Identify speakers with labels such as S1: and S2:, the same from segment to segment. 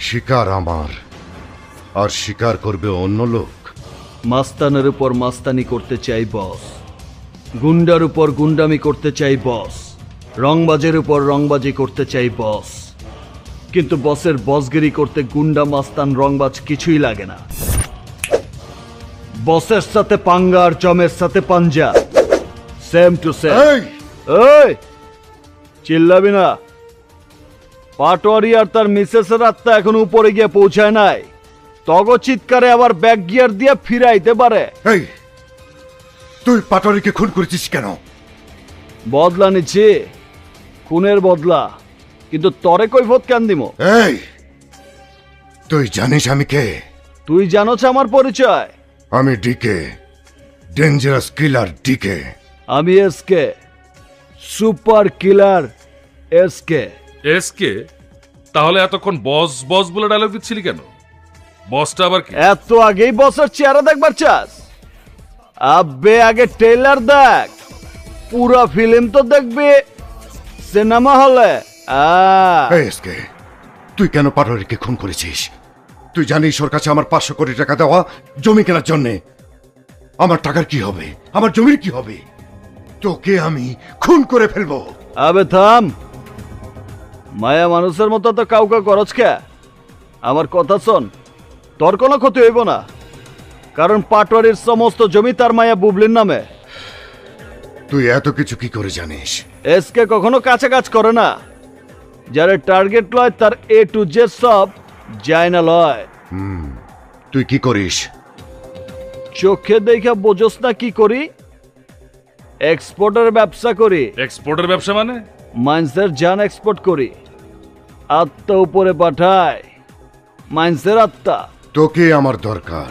S1: শিকার আমার, আর শিকার করবে অন্য লোক।
S2: মাস্তানের উপর মাস্তানি করতে চাই বস, গুন্ডার উপর গুন্ডামি করতে চাই বস, রংবাজের উপর রংবাজি করতে চাই বস। কিন্তু বসের বসগিরি করতে গুন্ডা মাস্তান রংবাজ কিছুই লাগে না। বসের সাথে পাঙ্গা আর জমের সাথে পাঞ্জা, সেম টু সেম। এই চিল্লাবি না। পাটোয়ারি আর তার মিসেসের আত্মা এখন উপরে গিয়ে পৌঁছায় নাই। তগ চিৎকারে আবার ব্যাক গিয়ার দিয়ে ফিরাইতে পারে।
S1: এই তুই পাটোয়ারিকে খুন করেছিস কেন?
S2: বদলা নিচ্ছি, খুনের বদলা। কিন্তু তরে কৈফত কেন দিমো?
S1: এই তুই জানিস আমি কে?
S2: তুই জানোছ আমার পরিচয়?
S1: আমি ডিকে, ডেঞ্জারাস কিলার ডিকে।
S2: আমি SK, super killer SK.
S3: SK? তাহলে এতক্ষণ বস বস বলে ডায়লগ দিচ্ছিলি কেন? বসটা আবার কি?
S2: এত আগেই বসের চেহারা দেখবার চাস? আব্বে আগে ট্রেলার দেখ, পুরো ফিল্ম তো দেখবি সিনেমা হলে।
S1: এই এসকে, তুই কেন পাটোয়ারিকে খুন করেছিস? তুই জানিস ওর কাছে আমার 500 কোটি টাকা দেওয়া জমি কেনার জন্যে। আমার টাকার কি হবে? আমার জমির কি হবে? তোকে আমি খুন করে ফেলবো।
S2: আবে থাম, মায়া মানুষের মতো তো কাউকে করছ কে? আমার কথা শোন, তোর কোনো ক্ষতি হইব না, কারণ পাটোয়ারির সমস্ত জমি তার মায়া বুবলির নামে।
S1: তুই এত কিছু কি করে জানিস?
S2: এসকে কখনো কাছে কাজ করে না। যারা টার্গেট লয় তার এ টু জেড সব যায় না লয়।
S1: তুই কি করিস?
S2: চোখে দেখা বোঝস না কি করি? এক্সপোর্টের ব্যবসা করি।
S3: এক্সপোর্টের ব্যবসা মানে?
S2: মাইন্সের জান এক্সপোর্ট করি, আত্মা উপরে পাঠায়। মাইন্সের আত্মা।
S1: তোকে আমার দরকার।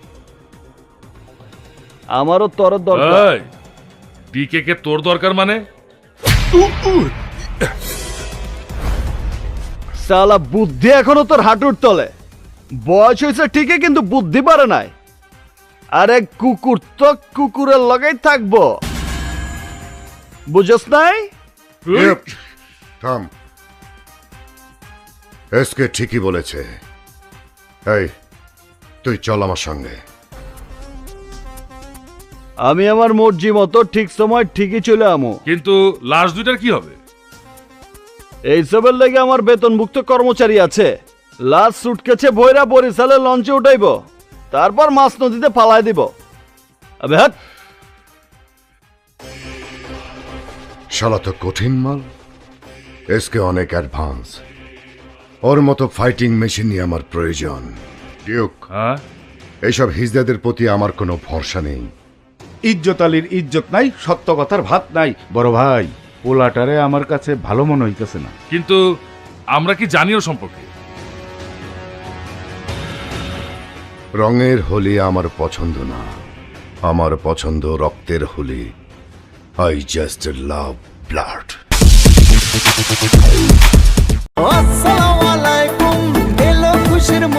S2: আমারও তোর দরকার।
S3: ডিকে কে তোর দরকার মানে?
S2: সালা বুদ্ধি এখনো তোর হাঁটুর তলে। বয়স হয়েছে ঠিকই, কিন্তু বুদ্ধি পারে নাই। আরে কুকুর তো কুকুরের লগেই থাকবো, বুঝস নাই?
S1: থাম, এসকে ঠিকই বলেছে। এই তুই চল আমার সঙ্গে।
S2: আমি আমার মর্জি মতো ঠিক সময় ঠিকই চলে আমো।
S3: কিন্তু লাশ দুইটার কি হবে?
S2: এইসবের লেগে আমার বেতনভুক্ত কর্মচারী আছে। লাশ সুটকেছে ভৈরা বরিশালে লঞ্চে উঠাইব, তারপর মাছ নদীতে ফালাই দিব। আবে হাট।
S1: শালা তো কঠিন মাল। এসকে অনেক অ্যাডভান্স। ওর মতো ফাইটিং মেশিনই আমার প্রয়োজন। ডিউক,
S3: হ্যাঁ,
S1: এইসব হিজদাদের প্রতি আমার কোনো ভরসা নেই।
S4: ইজ্জত আলীর ইজ্জত নাই, সত্য কথার ভাত নাই। বড় ভাই, পোলাটারে আমার কাছে ভালো মনে হইতেছে না।
S3: কিন্তু আমরা কি জানিও সম্পর্কে?
S1: রঙের হোলি আমার পছন্দ না, আমার পছন্দ রক্তের Holi. I just love blood.
S5: আসসালামু আলাইকুম, এলো খুশির